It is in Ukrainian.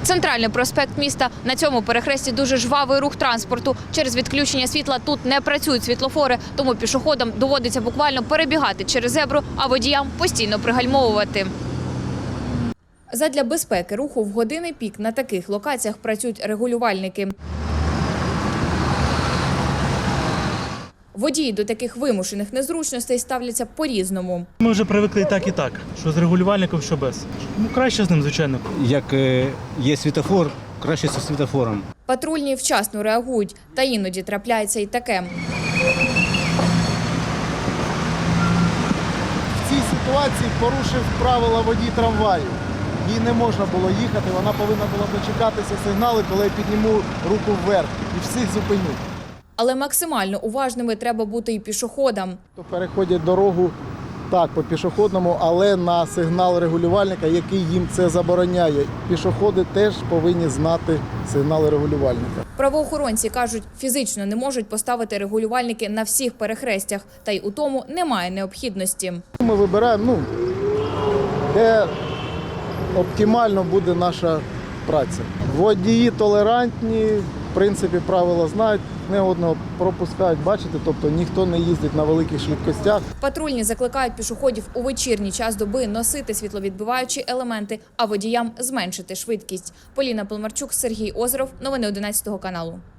Центральний проспект міста. На цьому перехресті дуже жвавий рух транспорту. Через відключення світла тут не працюють світлофори, тому пішоходам доводиться буквально перебігати через зебру, а водіям постійно пригальмовувати. Задля безпеки руху в години пік на таких локаціях працюють регулювальники. Водії до таких вимушених незручностей ставляться по-різному. Ми вже привикли і так, що з регулювальником, що без. Ну, краще з ним, звичайно. Як є світофор, краще зі світофором. Патрульні вчасно реагують, та іноді трапляється і таке. В цій ситуації порушив правила водій трамваю. Їй не можна було їхати, вона повинна була дочекатися сигналу, коли я підніму руку вверх і всіх зупиню. Але максимально уважними треба бути і пішоходам. Переходять дорогу так, по пішохідному, але на сигнал регулювальника, який їм це забороняє. Пішоходи теж повинні знати сигнал регулювальника. Правоохоронці кажуть, фізично не можуть поставити регулювальники на всіх перехрестях, та й у тому немає необхідності. Ми вибираємо, де оптимально буде наша праця. Водії толерантні, в принципі, правила знають, не одного пропускають, бачите, тобто ніхто не їздить на великих швидкостях. Патрульні закликають пішоходів у вечірній час доби носити світловідбиваючі елементи, а водіям зменшити швидкість. Поліна Полмарчук, Сергій Озеров. Новини 11 каналу.